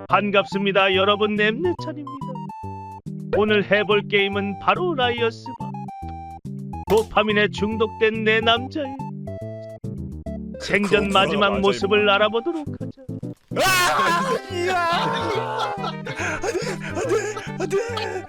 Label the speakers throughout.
Speaker 1: 반갑습니다 여러분, nem네찬입니다. 오늘 해볼 게임은 바로 라이어스 바. 도파민에 중독된 내 남자의 생전 마지막 모습을 알아보도록 하자.
Speaker 2: 안돼.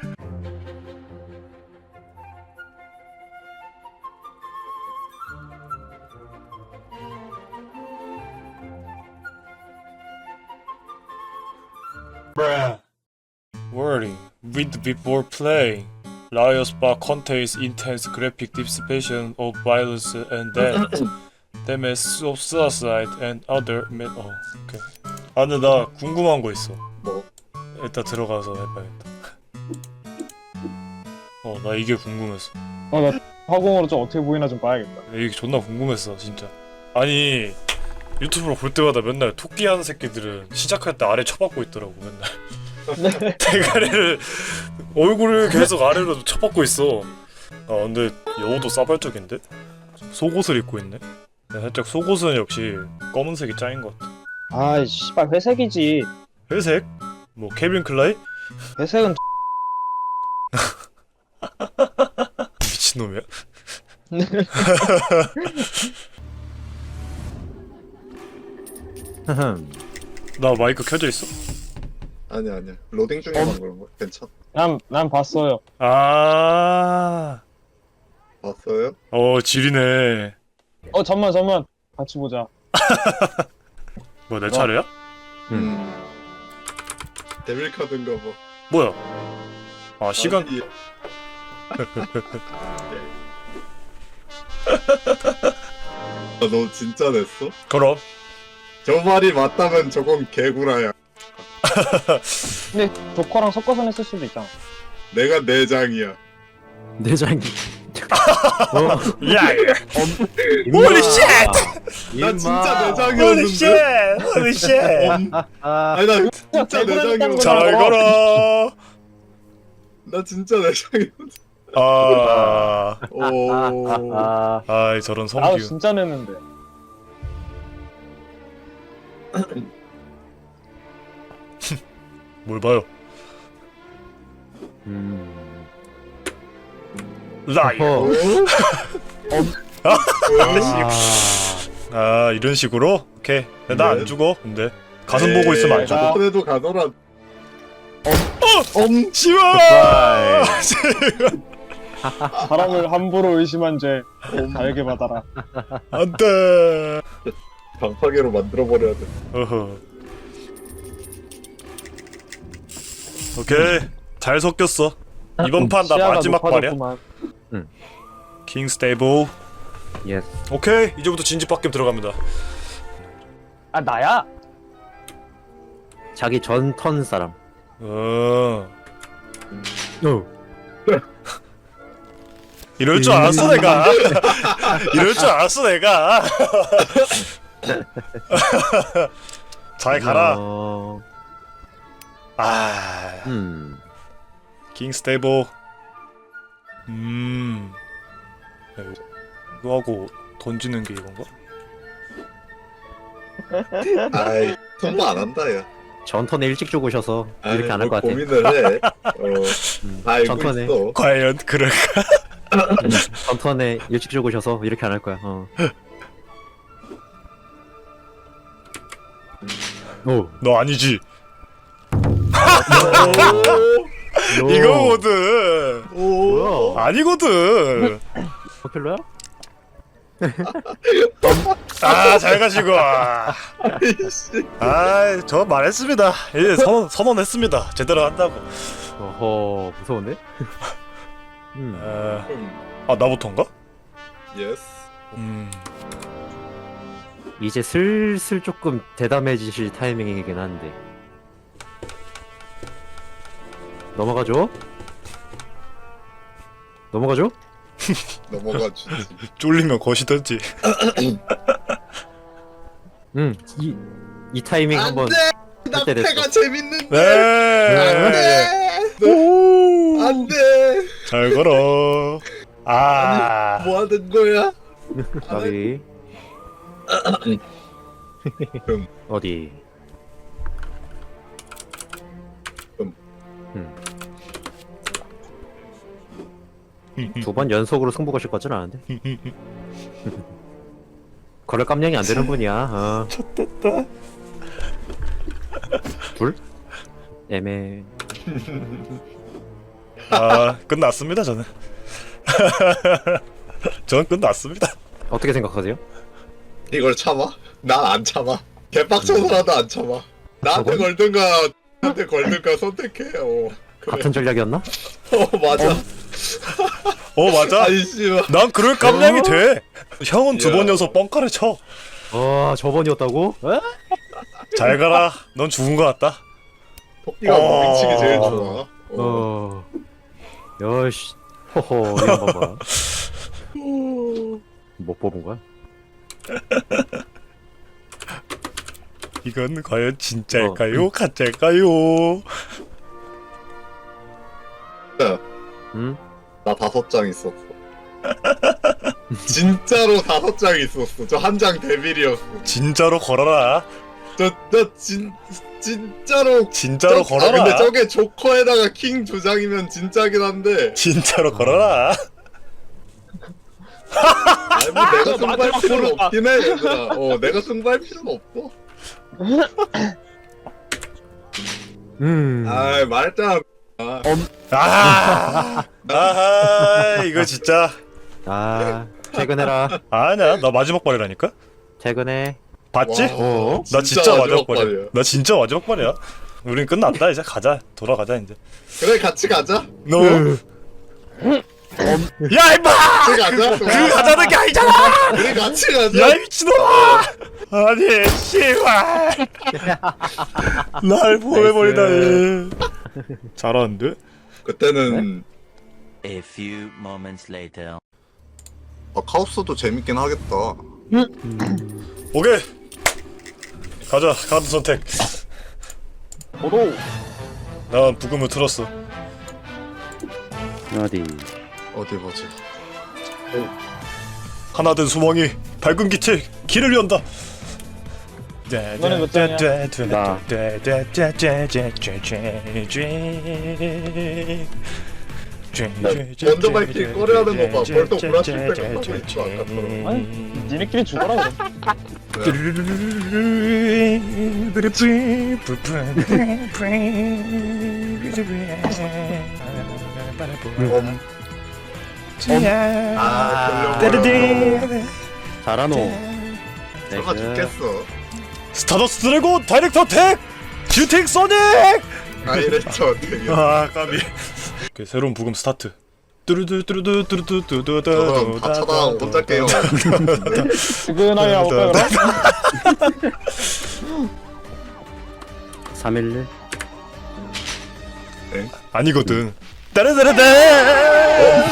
Speaker 2: Warning, read before playing. Liar's Bar contains intense graphic depiction of violence and death, damage of suicide and other 오케이. 아 근데 나 궁금한 거 있어.
Speaker 3: 뭐?
Speaker 2: 일단 들어가서 해봐야겠다. 나 이게 궁금했어.
Speaker 4: 나 화공으로 좀 어떻게 보이나 좀 봐야겠다.
Speaker 2: 이게 존나 궁금했어 진짜. 아니 유튜브로 볼 때마다 맨날 토끼 하는 새끼들은 시작할 때 아래 쳐박고 있더라고 맨날. 대가리를 얼굴을 계속 아래로 쳐박고 있어. 아 근데 여우도 싸발적인데? 속옷을 입고 있네. 살짝 속옷은 역시 검은색이 짱인 것 같아.
Speaker 4: 아이 씨발 회색이지.
Speaker 2: 회색? 뭐 케빈 클라이?
Speaker 4: 회색은
Speaker 2: 미친놈이야? 나 마이크 켜져 있어?
Speaker 3: 아니야. 로딩 중에만 그런 거. 괜찮?
Speaker 4: 난 봤어요.
Speaker 2: 아,
Speaker 3: 봤어요?
Speaker 2: 지리네.
Speaker 4: 잠만 같이 보자.
Speaker 2: 뭐 내 차례야?
Speaker 3: 데빌 카드인가 봐.
Speaker 2: 뭐야? 아 시간.
Speaker 3: 아니, 너 진짜 냈어?
Speaker 2: 그럼.
Speaker 3: 저 말이 맞다면 저건 개구라야.
Speaker 4: 근데 조커랑 섞어서 냈을 수도 있잖아.
Speaker 3: 내가 내장이야.
Speaker 5: 내장이.
Speaker 2: 야, holy shit!
Speaker 3: 나 진짜
Speaker 2: holy
Speaker 3: 내장이었는데.
Speaker 2: shit! holy shit!
Speaker 3: 아니 나 진짜 내장이었는데.
Speaker 2: 잘 걸어.
Speaker 3: 나 진짜 내장이었는데. 오.
Speaker 2: 아이 저런
Speaker 4: 나도
Speaker 2: 성기훈.
Speaker 4: 진짜 냈는데.
Speaker 2: 뭘 봐요? 라이어. 아 이런 식으로? 오케이. 나 안 죽어. 근데 가슴 보고 있으면 안 죽어.
Speaker 3: 저번에도 가더라.
Speaker 2: 씨발.
Speaker 4: 사람을 함부로 의심한 죄 달게 받아라.
Speaker 2: 안돼.
Speaker 3: 방파개로 만들어버려야 돼.
Speaker 2: 어허. 오케이 잘 섞였어. 이번 판 나
Speaker 4: 시야가
Speaker 2: 마지막 발이야.
Speaker 4: 높아졌구만.
Speaker 2: 킹 스테이블.
Speaker 5: 예스.
Speaker 2: 오케이 이제부터 진지밖에 들어갑니다.
Speaker 4: 아 나야?
Speaker 5: 자기 전 턴 사람.
Speaker 2: 이럴 줄 알았어 내가. 이럴 줄 알았어 내가. 잘 가라. 킹 스테이블. 이거 하고 던지는 게 이건가?
Speaker 3: 아이 통보 안 한다 야.
Speaker 5: 전 턴에 일찍 죽으셔서 이렇게 안 할 것 같아.
Speaker 3: 고민을 해. 다 알고
Speaker 5: 전턴에.
Speaker 3: 있어.
Speaker 2: 과연 그럴까?
Speaker 5: 전 턴에 일찍 죽으셔서 이렇게 안 할 거야. 오.
Speaker 2: 너 아니지?
Speaker 5: 오.
Speaker 2: 이거거든.
Speaker 5: 뭐야?
Speaker 2: 아니거든.
Speaker 5: 퍼필러야?
Speaker 2: 잘 가시고. 저 말했습니다. 이제 선언했습니다. 제대로 한다고.
Speaker 5: 어허, 무서운데?
Speaker 2: 나부터인가?
Speaker 3: 예스.
Speaker 5: 이제 슬슬 조금 대담해지실 타이밍이긴 한데. 넘어가죠? 넘어가죠?
Speaker 3: 넘어가 주지.
Speaker 2: 쫄리면 거시던지.
Speaker 5: 이 타이밍 한번
Speaker 3: 나
Speaker 5: 때 됐어.
Speaker 3: 패가 재밌는데.
Speaker 2: 네.
Speaker 3: 안돼.
Speaker 2: 잘 걸어.
Speaker 3: 뭐 하는 거야?
Speaker 5: 가비. 어디? 두 번 연속으로 승부 거실 거진 않은데. 거래 깜냥이 안 되는 분이야. 어.
Speaker 2: 좋됐다.
Speaker 5: 둘? 애매.
Speaker 2: 아 끝났습니다 저는. 저는 끝났습니다.
Speaker 5: 어떻게 생각하세요?
Speaker 3: 이걸 참아? 난 안 참아. 개빡쳐서라도 안 참아. 나한테
Speaker 5: 저건?
Speaker 3: 걸든가 나한테 걸든가 선택해. 그래.
Speaker 5: 같은 전략이었나?
Speaker 3: 맞아.
Speaker 2: 맞아.
Speaker 3: 아니 씨발.
Speaker 2: 난 그럴 깜냥이 돼. 형은 두
Speaker 3: 야.
Speaker 2: 번 연속 뻥카를 쳐.
Speaker 5: 저번이었다고?
Speaker 2: 잘 가라. 넌 죽은 거 같다.
Speaker 3: 토끼가 무빙치기 제일 좋아.
Speaker 5: 여씨. 호호, 이런 거 봐. 못 뽑은 거야?
Speaker 2: 이건 과연 진짜일까요? 가짜일까요?
Speaker 5: 응?
Speaker 3: 나 5장 있었어. 진짜로 5장 있었어. 저 한 장 데빌이었어.
Speaker 2: 진짜로 걸어라.
Speaker 3: 진짜로.
Speaker 2: 진짜로
Speaker 3: 아,
Speaker 2: 걸어라.
Speaker 3: 근데 저게 조커에다가 킹 2장이면 진짜긴 한데.
Speaker 2: 진짜로 걸어라.
Speaker 3: 아니 뭐 내가 승부할
Speaker 1: 마지막
Speaker 3: 필요는
Speaker 1: 고르다.
Speaker 3: 없긴 해 얘들아. 내가 승부할 필요는 없어. 아이 말했잖아.
Speaker 2: 아하 이거 진짜
Speaker 5: 퇴근해라.
Speaker 2: 아니야 나 마지막 발이라니까.
Speaker 5: 퇴근해.
Speaker 2: 봤지?
Speaker 3: 와,
Speaker 2: 나 진짜 마지막 발이야.
Speaker 3: 발이야.
Speaker 2: 나 진짜 마지막 발이야. 우린 끝났다 이제 가자. 돌아가자 이제.
Speaker 3: 그래 같이 가자.
Speaker 2: 너. 야 임마!
Speaker 3: 같이 가자.
Speaker 2: 그 가자는 게 아니잖아.
Speaker 3: 우리 같이 가자.
Speaker 2: 야 이 미친놈아! 아니 씨발. 날 보내버리다니. 잘하는데?
Speaker 3: 그때는
Speaker 6: A few moments later.
Speaker 3: 카오스도 재밌긴 하겠다.
Speaker 2: 오케이. 가자 카드 선택.
Speaker 4: 도로.
Speaker 2: 난 부금을 틀었어.
Speaker 5: 어디?
Speaker 3: 어디 보지.
Speaker 2: 하나된 소망이 밝은 빛에 길을 연다.
Speaker 4: 이번엔 몇 장이야?
Speaker 5: 나.
Speaker 3: 먼저 밝힐 꺼려하는 거 봐. 벌써 구라칠 때가 하고 있어. 아까처럼.
Speaker 4: 아니, 니네끼리 죽어라 그래.
Speaker 5: 잘하노.
Speaker 3: 설마 죽겠어.
Speaker 2: 스타더스 드래곤 다이렉터 택! 듀팅 소닉!
Speaker 3: 아 이랬죠 되게.
Speaker 2: 아 까비. 오케이, 새로운 부금 스타트. 뚜루뚜루뚜루뚜루뚜루뚜루뚜루.
Speaker 3: 저건 다 쳐다보고 혼자 게임.
Speaker 4: 퇴근하게 가볼까 그럼?
Speaker 5: 311.
Speaker 2: 아니거든. 따라따라따.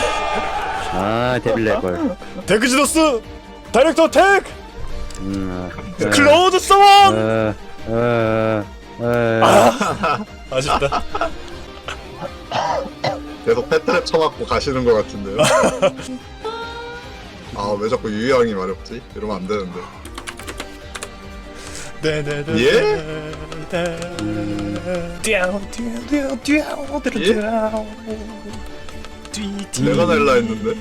Speaker 5: 데빌 낼걸.
Speaker 2: 데크지더스 다이렉터 택! 클로우드 서원! 아쉽다.
Speaker 3: 계속 패트랩 쳐맞고 가시는 것 같은데요. 아 왜 자꾸 유희왕이 마렵지? 이러면 안 되는데. 내가 낼라 했는데.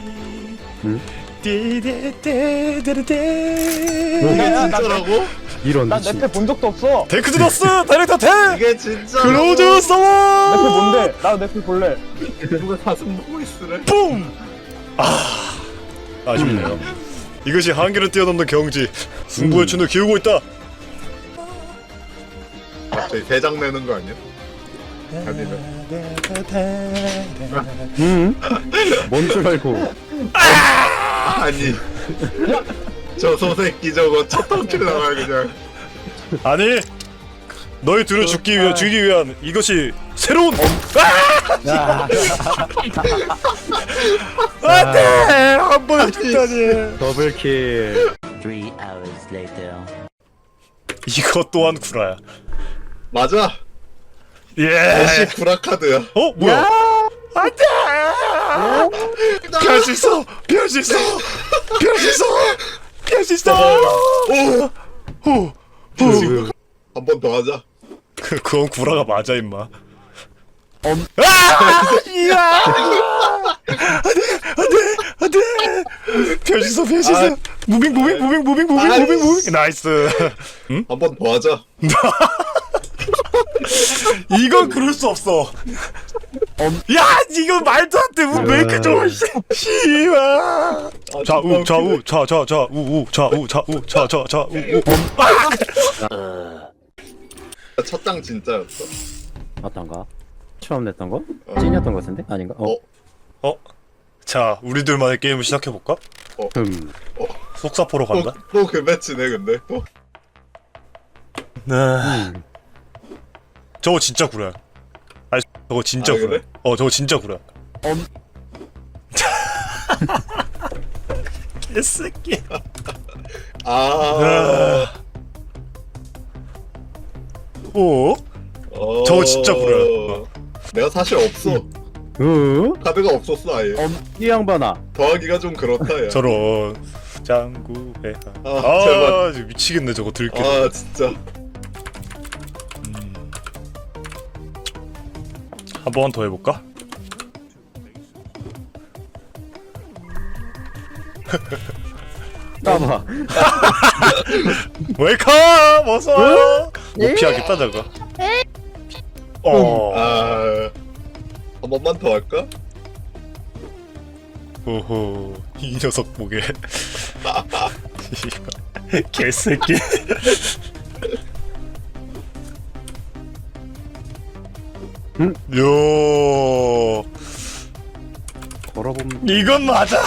Speaker 3: 이게 진짜라고?
Speaker 5: 이런
Speaker 4: 난
Speaker 5: 미친.
Speaker 4: 내 패 본 적도 없어.
Speaker 2: 데크지더스 다이렉터 택!
Speaker 3: 이게 진짜.
Speaker 2: 클로우드
Speaker 4: 내 패
Speaker 2: 서원!
Speaker 4: 뭔데? 나도 내 패 볼래.
Speaker 3: 누가 가슴 보고 있으래?
Speaker 2: 뿜! 아쉽네요. 이것이 한계를 뛰어넘는 경지. 승부의 춘을 기우고 있다.
Speaker 3: 갑자기 대장 내는 거 아니야? 아니면
Speaker 5: 뭔 줄 알고.
Speaker 3: 아니 저 소새끼 저거 첫 턴킬 나와요 그냥.
Speaker 2: 아니 너희 둘을 주기 위한 이것이 새로운 안돼 한 번에 죽다니.
Speaker 5: 더블킬.
Speaker 6: 3 hours later.
Speaker 2: 이것 또한 구라야.
Speaker 3: 맞아.
Speaker 2: 예.
Speaker 3: 애쉬 구라카드야.
Speaker 2: 어 뭐야? 안돼. 피할 수 있어. 피할 수 있어. 피할 수 있어. 피할 수 있어.
Speaker 3: 한 번 더 하자.
Speaker 2: 그건 구라가 맞아 임마. 이야! 안돼! 변신서
Speaker 3: 아.
Speaker 2: 무빙 나이스.
Speaker 3: 한 번 더 하자.
Speaker 2: 이건 그럴 수 없어. 야, 이거 말도 안 돼. 왜 이렇게 좋아? 씨발. 좌우
Speaker 3: 첫 장 진짜였어.
Speaker 5: 어떤가? 처음 냈던 거? 찐이었던 거 같은데? 아닌가?
Speaker 2: 자, 우리들만의 게임을 시작해 볼까? 속사포로 간다.
Speaker 3: 또 그 매치네 근데 또.
Speaker 2: 네. 저거 진짜 구려. 아니, 저거 진짜
Speaker 3: 아,
Speaker 2: 구려.
Speaker 3: 그래?
Speaker 2: 저거 진짜 구려. 개새끼. 오? 저거 진짜 구려.
Speaker 3: 내가 사실 없어. 카드가 없었어 아예.
Speaker 5: 이 양반아.
Speaker 3: 더하기가 좀 그렇다 야.
Speaker 2: 저런 짱구배.
Speaker 3: 제발.
Speaker 2: 진짜 미치겠네 저거 들게.
Speaker 3: 아 진짜.
Speaker 2: 한 번 더 해볼까?
Speaker 5: 까봐.
Speaker 2: 웰컴! 어서! 못 피하겠다 저거.
Speaker 3: 한 번만 더 할까?
Speaker 2: 오호, 이 녀석 보게. 개새끼. 요,
Speaker 5: 걸어보면
Speaker 2: 이건 맞아.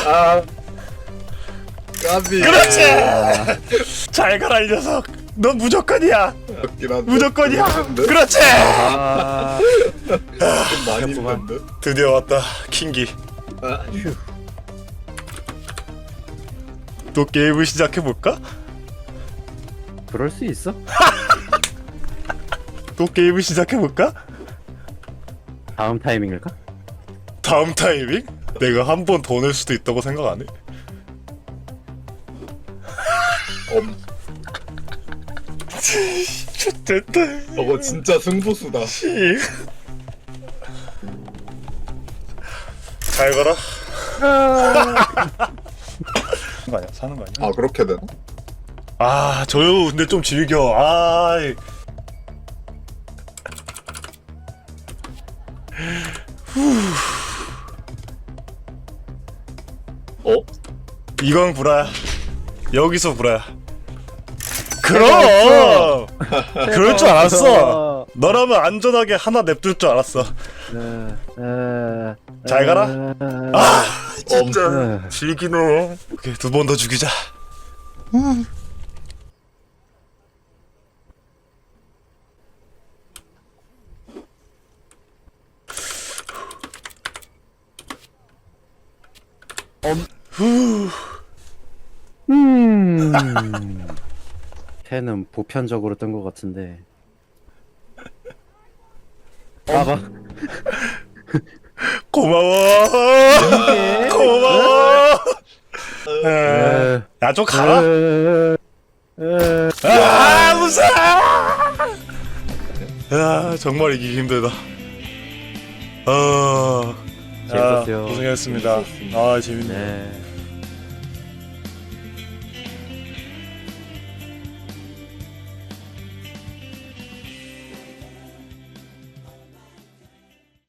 Speaker 3: 까비.
Speaker 2: 그렇지. 잘 가라 이 녀석. 넌 무조건이야.
Speaker 3: 맞긴 한데.
Speaker 2: 무조건이야.
Speaker 3: 힘든데?
Speaker 2: 그렇지.
Speaker 3: 좀 많이 힘든데.
Speaker 2: 드디어 왔다 킹기. 또 게임을 시작해 볼까?
Speaker 5: 그럴 수 있어?
Speaker 2: 또 게임을 시작해 볼까?
Speaker 5: 다음 타이밍일까?
Speaker 2: 다음 타이밍? 내가 한 번 더 낼 수도 있다고 생각 안 해? 됐다.
Speaker 3: 저거 진짜 승부수다.
Speaker 2: 잘 가라. 사는 거 아니야? 사는 거 아니야?
Speaker 3: 아 그렇게 되나?
Speaker 2: 아, 저요. 근데 좀 즐겨. 아. 이건 구라야. 여기서 구라야. 그럼. 그럴 줄 알았어. 너라면 안전하게 하나 냅둘 줄 알았어. 잘 가라. 아, 진짜 즐기노. 오케이, 두 번 더 죽이자.
Speaker 5: 펜은 보편적으로 뜬 것 같은데. 봐봐.
Speaker 2: 고마워. 고마워. 야, 좀 가라. 아, 무서워. 야, 정말 이기기 힘들다.
Speaker 5: 재밌었어요.
Speaker 2: 고생했습니다. 아, 재밌네.
Speaker 5: 네.